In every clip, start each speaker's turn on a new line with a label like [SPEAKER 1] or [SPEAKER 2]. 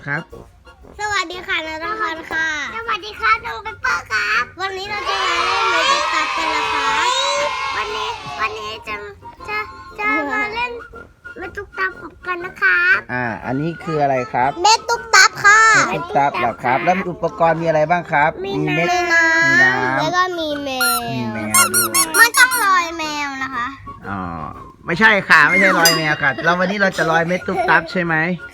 [SPEAKER 1] ครับ
[SPEAKER 2] สวัสดีค่ะนรพันธ์ค่ะสวัสดีค่ะน้องเปเปอร์ครับวันนี้เราจะมาเล่นเมจิกตับกันนะคะวันนี้จะมาเล่นเมจิกตับกันนะครับ
[SPEAKER 1] อันนี้คืออะไรครับ
[SPEAKER 2] เมจิกตับค่ะ
[SPEAKER 1] เม็ดตุ๊กตับเหรอครับแล้วอุปกรณ์มีอะไรบ้างครับเม็ดมีน้ำ
[SPEAKER 2] แล้วก็มีแมว
[SPEAKER 1] มีแมวด้วย
[SPEAKER 2] มันต้องลอยแมวนะคะ
[SPEAKER 1] อ๋อไม่ใช่ค่ะไม่ใช่ลอยแมวค่ะวันนี้เราจะลอยเม็ดตุ๊กตับใช่ไหม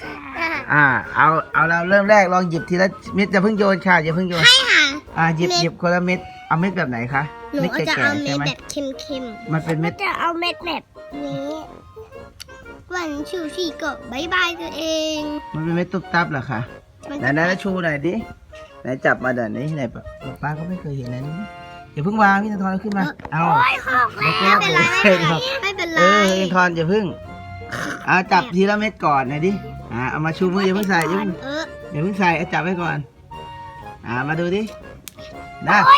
[SPEAKER 1] เอาเราเริ่มแรกลองหยิบทีละเม็ดอย่าเพิ่งโยนค่ะอย่าเพิ่งโยน
[SPEAKER 2] ให้ค่ะ
[SPEAKER 1] หยิบคนละเม็ดเอาเม็ดแบบไหนคะ
[SPEAKER 2] หนู
[SPEAKER 1] เม็ด
[SPEAKER 2] จะ
[SPEAKER 1] แก่
[SPEAKER 2] เอา
[SPEAKER 1] ๆ
[SPEAKER 2] เม็
[SPEAKER 1] ใช่
[SPEAKER 2] ด
[SPEAKER 1] ไหม
[SPEAKER 2] แบบเค็มๆ
[SPEAKER 1] มันเป็นเม็ด
[SPEAKER 2] จะเอาเม็ดแบบนี้วันชูชีก็บายบายตัวเอง
[SPEAKER 1] มันเป็นเม็ดตุ๊กตับเหรอคะไหนชูหน่อยดิไหนจับมาเดี๋ยวนี้ไหนป้าก็ไม่เคยเห็นนะนี่อย่าเพิ่งวางพี่ธนทรขึ้นมาเอา
[SPEAKER 2] โอ้ยหกแล้วไม่เป็นไรไม่เป็นไร
[SPEAKER 1] พี่ธนทรอย่าเพิ่งจับทีละเม็ดก่อนหน่อยดิเอามาชูมืออย่าเพิ่งใส่อย่าเพิ่งใส่จับไว้ก่อนมาดูดินั่น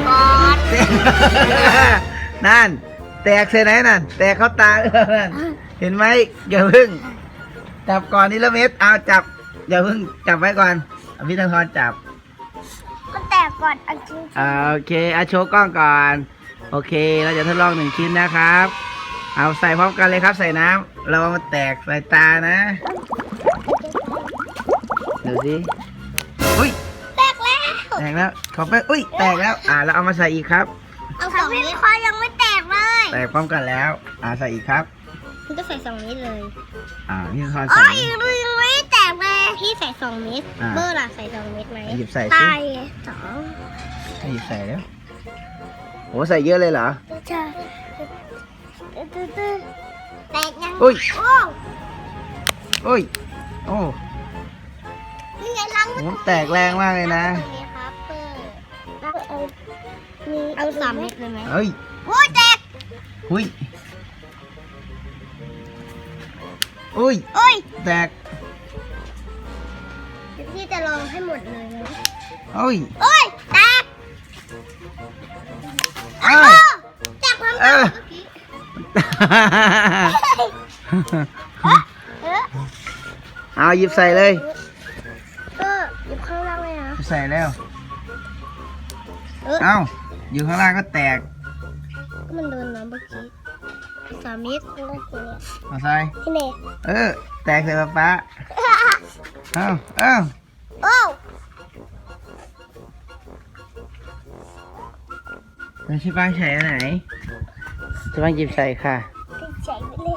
[SPEAKER 1] นั่นแตกเส้นไหนนั่นแตกเข้าตานั่นเห็นไหมอย่าเพิ่งจับก่อนทีละเม็ดจับอย่าเพิ่งจับไว้ก่อนพี่ธนทรจับ
[SPEAKER 2] มันแตกก่อนอันจริง
[SPEAKER 1] โอเคโชว์กล้องก่อนโอเคเราจะทดลอง1 ชิ้นนะครับเอาใส่พร้อมกันเลยครับใส่น้ำเรามาแตกใส่ตานะดูสิอุ้ย
[SPEAKER 2] แตกแล้ว
[SPEAKER 1] ขอไปอุ้ยแตกแล้วเราเอามาใส่อีกครับ
[SPEAKER 2] เอา2 เม็ดคอยังไม่แตกเลย
[SPEAKER 1] แตกพร้อมกันแล้วใส่อีกครับ
[SPEAKER 2] มันก็ใส่2 เม็ดเลย
[SPEAKER 1] นี่คอน
[SPEAKER 2] อ๋อ
[SPEAKER 1] ใส่
[SPEAKER 2] ยังไม่แตกเลยพี่ใส่2 เม็ดเบอร์ล่ะใส่2 เม็ดไหม
[SPEAKER 1] หยิบใส่สิ
[SPEAKER 2] ตาย2
[SPEAKER 1] หยิบใส่แล้วโหใส่เยอะเลยเหรอ
[SPEAKER 2] ใช่แตกยัง
[SPEAKER 1] อุ้ย
[SPEAKER 2] โอ้
[SPEAKER 1] โอ้
[SPEAKER 2] นี่ไงล้าง
[SPEAKER 1] โหแตกแรงมากเลยนะ
[SPEAKER 2] นี่ครับเอา3 เม็ดเลยไหม
[SPEAKER 1] เฮ้ย
[SPEAKER 2] โอ้ยแตก
[SPEAKER 1] อุ้ย
[SPEAKER 2] โอ้ย
[SPEAKER 1] แตก
[SPEAKER 2] เดี๋ยวพี่จะลองให้หมดเลยนะ
[SPEAKER 1] โอ้ย
[SPEAKER 2] โอ้ยแตก
[SPEAKER 1] เอ้ย
[SPEAKER 2] แตกพร้อมกันเมื่อกี้
[SPEAKER 1] หยิบใส่เลย
[SPEAKER 2] หยิบข้างล่างเลยนะ
[SPEAKER 1] ใส่แล้วอยู่ข้างล่างก็แตก
[SPEAKER 2] ก็มันโดนน้ำเมื่อกี้3 เม็ดแล้วก็ทีเนี้ย
[SPEAKER 1] เอาใส่
[SPEAKER 2] ที่ไหน
[SPEAKER 1] แตกใส่ป๊าโอ้แล้วชิบางใส่อันไหนชิบางหยิบใส่ค่ะ
[SPEAKER 2] ติดใจไปเลย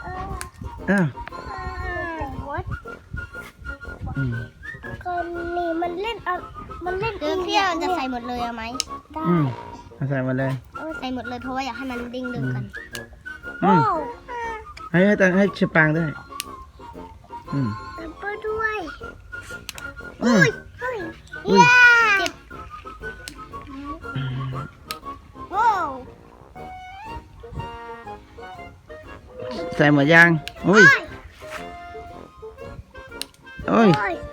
[SPEAKER 2] คนนี้มันเล่นพี่เราจะใส่หมดเลยเอาไหมได้
[SPEAKER 1] เอาใส่มาเลย
[SPEAKER 2] ใส่หมดเลยเพราะว่าอยากให้มันดิ้งดึงกัน
[SPEAKER 1] ให้ชิบางด้วย
[SPEAKER 2] แล้วก็ด้วย
[SPEAKER 1] อุ้ย
[SPEAKER 2] เจ็บว้าว
[SPEAKER 1] ใส่หมดยังอุ้ยโอ้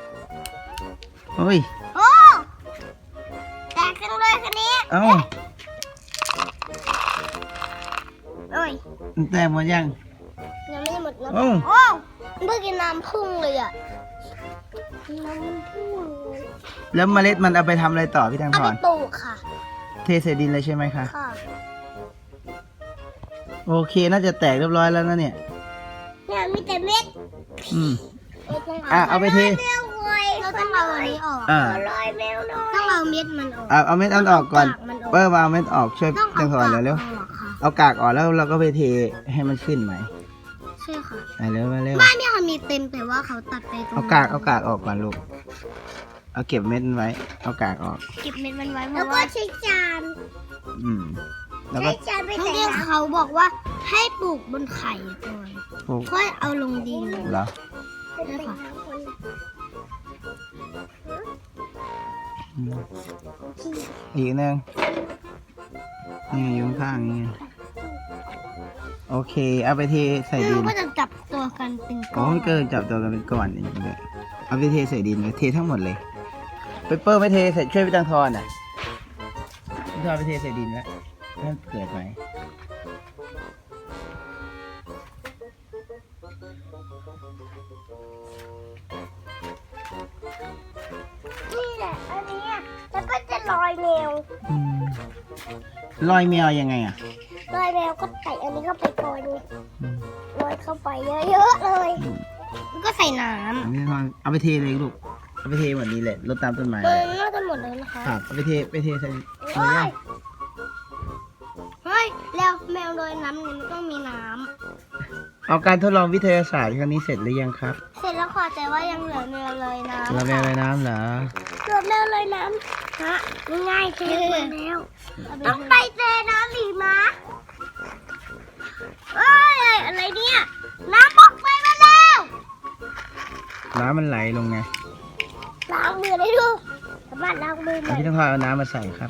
[SPEAKER 2] แตกจังเลยคันนี้โอ้ย
[SPEAKER 1] แตกหมดยัง
[SPEAKER 2] ยังไม่หมดนะ
[SPEAKER 1] โอ้
[SPEAKER 2] เมื่อกี้น้ำพุ่งเลยอ่ะน้ำพุ่งเลย
[SPEAKER 1] แล้วเมล็ดมันเอาไปทำอะไรต่อพี่ตัง
[SPEAKER 2] เอา
[SPEAKER 1] พ
[SPEAKER 2] ไป
[SPEAKER 1] ร
[SPEAKER 2] ปลูกค่ะ
[SPEAKER 1] เทใส่ดินเลยใช่ไหมคะ
[SPEAKER 2] ค่ะ
[SPEAKER 1] โอเคน่าจะแตกเรียบร้อยแล้วนะเนี่ย
[SPEAKER 2] เนี่ยมีแต่เม็ด
[SPEAKER 1] เอาไปเท
[SPEAKER 2] เราต้องเอาอันนี้ออกลอยแมวน้อยต้องเอาเม็ดมันออก
[SPEAKER 1] เอาเม็ดอันออกก่อนเปิ้ลมาเอาเม็ดออกช่วยตังพรเร็ว เอากากออกแล้วเราก็ไปเทให้มันขึ้นไหม
[SPEAKER 2] ใช่ค่ะ
[SPEAKER 1] เร็ว
[SPEAKER 2] บ้านเนี่ยเขามีเต็มแต่ว่าเขาตัดไปตรง
[SPEAKER 1] เอากากออกก่อนลูกเอาเก็บเม็ดมันไว้เอากากออก
[SPEAKER 2] เก็บเม็ดมันไว้เพราะว่าใช้จาน
[SPEAKER 1] แล้วก็
[SPEAKER 2] จานไปแต่ที่เขาบอกว่าให้ปลูกบนไข่ก่อน
[SPEAKER 1] ปลูก
[SPEAKER 2] ค่อยเอาลงดิน
[SPEAKER 1] เหรอ
[SPEAKER 2] ใช่ค่ะ
[SPEAKER 1] อีกนึงนี่อยู่ข้างๆนี่โอเคเอาไปเทใส่ดิน
[SPEAKER 2] ก็จะจับตัวกันเป็นก้
[SPEAKER 1] โอ้
[SPEAKER 2] อน
[SPEAKER 1] ยเกินจับตัวกันเป็นก้อนอย่างนี้เลยเอาไปเทใส่ดินเลยเททั้งหมดเลยเปเปอร์ไม่เทใส่ช่วยพี่ตังทอนพี่ทอนไปเทใส่ดินแล้วให้มันเกิดไหม
[SPEAKER 2] เนี่แหละอันนี้แล้วก็จะลอยแมว
[SPEAKER 1] อืมลอยแมวยังไงอ่ะ
[SPEAKER 2] ลอยแมวก็ใส่อันนี้เข้าไปก่อนไง
[SPEAKER 1] อืม
[SPEAKER 2] ลอยเข้าไปเยอะๆเลยแล้วก็ใส่น้
[SPEAKER 1] อันนี้ทอนเอาไปเทเลยลูกเอาไปเทหมดนี้แหละรดตามต้นไม้
[SPEAKER 2] ำ
[SPEAKER 1] เลย
[SPEAKER 2] น่าจะหมดแล้วนะคะ
[SPEAKER 1] ครับเอาไปเทใส่
[SPEAKER 2] เฮ้ยเฮ้ยแล้วแมวลอยน้ำเนี่ยมันต้องมีน้
[SPEAKER 1] เอาการทดลองวิทยาศาสตร์ครั้งนี้เสร็จหรือยังครับ
[SPEAKER 2] ำเสร็จแล้วค่ะแต่ว่ายังเหลือแมวลอยน้ำ
[SPEAKER 1] เราแมวลอยน้ำเหรอ
[SPEAKER 2] เหลือแมวลอยน้ำฮะง่ายๆเทหมดแล้วต้องไปเทน้ำอีกนะเอ้ยอะไรเนี่ยน้ำบอกไปมาแล้ว
[SPEAKER 1] น้ำมันไหลลงไง
[SPEAKER 2] ล้างมือได้ดูสามารถล้างมือหน่อย
[SPEAKER 1] พี่ต้องพาเอาน้ำมาใส่ครับ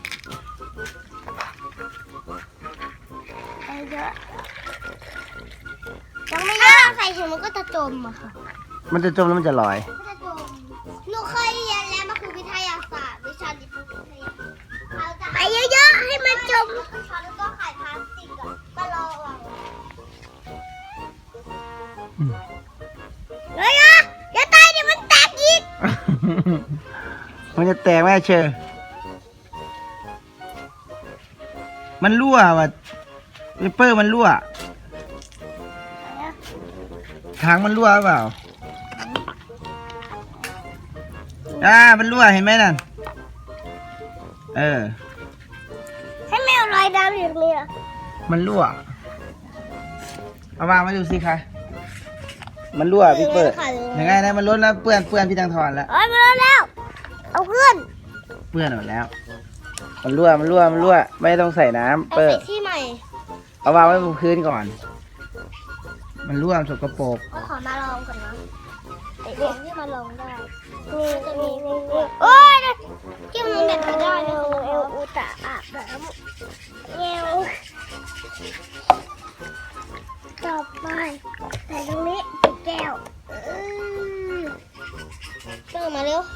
[SPEAKER 2] ไปเยอะยังไม่เยอะใส่ถุงมันก็จะจมอะค่ะ
[SPEAKER 1] มันจะจมแล้วมันจะลอย
[SPEAKER 2] ก็จะจมหนูเคยเรียนแล้วมันคือวิทยาศาสตร์วิชาจิตวิทยาไปเยอะๆให้มันจมช้อนแล้วก็ไข่พลาสติกอะก็รอวาง
[SPEAKER 1] อืม
[SPEAKER 2] เฮ้ยอ่ะอย่าตายเดี๋ยวมันแตกอีก
[SPEAKER 1] มันจะแตกไหมเชอร์มันรั่วว่ะเปเปอร์มันรั่วถังมันรั่วหรือเปล่ามันรั่วเห็นไหมนั่นเออ
[SPEAKER 2] ให้แมวลอยน้ำอยู่ตรงนี้อ่ะ
[SPEAKER 1] มันรั่วเอาวางมาดูสิคะมันรั่วพี่เปิดยังไงนะมันล้นแล้วเปื้อนพี่ตังทอนแล้ว
[SPEAKER 2] โอ้ยมาแล้ว เอาเพื่อน
[SPEAKER 1] เปื้อนหมดแล้ว มันรั่วไม่ต้องใส่น้ำ
[SPEAKER 2] เอา
[SPEAKER 1] เปิ
[SPEAKER 2] ใส่
[SPEAKER 1] ด
[SPEAKER 2] ที่ใหม่
[SPEAKER 1] เอาวางไว้บนพื้นก่อน มันรั่วสกปรก
[SPEAKER 2] ก็ขอมาลองก่อนนะเด็กที่มาลองได้นี่โอ้ยที่มันเด็ดไม่ได้เลยเอวอุตะอาบน้ำเอวต่อไปใส่ตรงนี้ปิดแก้วเติมมาเร็ว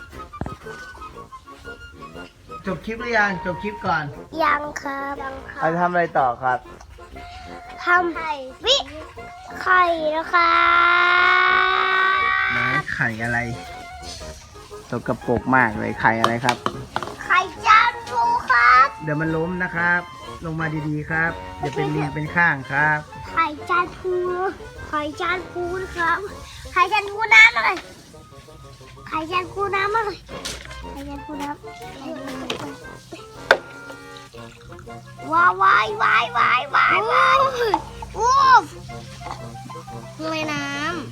[SPEAKER 1] จบคลิปหรือยังจบคลิปก่อน
[SPEAKER 2] ยังครับยังครั
[SPEAKER 1] เรา
[SPEAKER 2] บ
[SPEAKER 1] จะทำอะไรต่อครับ
[SPEAKER 2] ทำไข่นะคะ
[SPEAKER 1] ไหนไข่อะไรสกปรกมากเลยไข่อะไรครับ
[SPEAKER 2] ไข่จานฟูครับ
[SPEAKER 1] เดี๋ยวมันล้มนะครับ ลงมาดีๆครับเดี๋ยวเป็นเรียงเป็นข้างครับ
[SPEAKER 2] ไข่จานฟูไข่จานฟูนะครับไข่จานฟูน้ำอะไรไข่จานฟูน้ำอะไรไข่จานฟูน้ำว้าวว้าวโอ้ลอยน้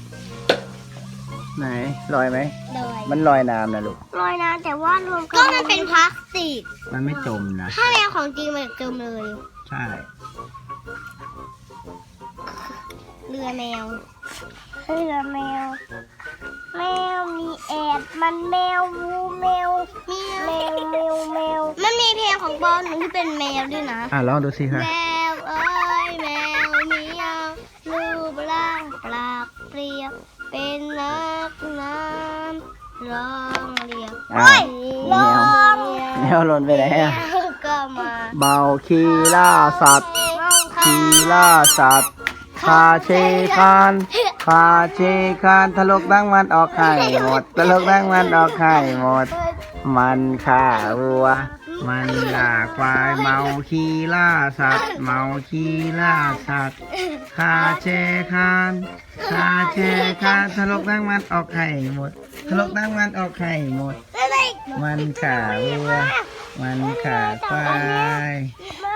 [SPEAKER 1] ไหนลอยไหม
[SPEAKER 2] ำลอย
[SPEAKER 1] มันลอยน้ำนะลูก
[SPEAKER 2] ลอยน้ำแต่ว่ารวมกันก็มันเป็นพลาสติก
[SPEAKER 1] มันไม่จมนะ
[SPEAKER 2] ถ้าแมวของจริงมันจะจมเลย
[SPEAKER 1] ใช่
[SPEAKER 2] เรือแมวมีแอดมันแมววูแมวมันมีเพลงของบอลหนึ่งที่เป็นแมวด้วยนะ
[SPEAKER 1] ลองดูสิครับ
[SPEAKER 2] แมวเอ้ยแมวเหมียวรูปร่างปลากเปรียวเป็นนักน้ำร้องเรียก
[SPEAKER 1] อ้าว
[SPEAKER 2] ร้อง
[SPEAKER 1] แมวหล่นไปไหนอ่ะ
[SPEAKER 2] แมวก็มา
[SPEAKER 1] เบาคีล่าสัตว์คีล่าสัตว์คาเชคานทะลกดังมันออกไข่หมดทะลกดังมันออกไข่หมด มันข่าวัว มันด่าควายเมาคีล่าสัตว์เมาคีล่าสัตว์คาเชคานทะลกดังมันออกไข่หมดทะลกดังมันออกไข่หมด มันข่าวัว มันข่าควาย
[SPEAKER 2] ม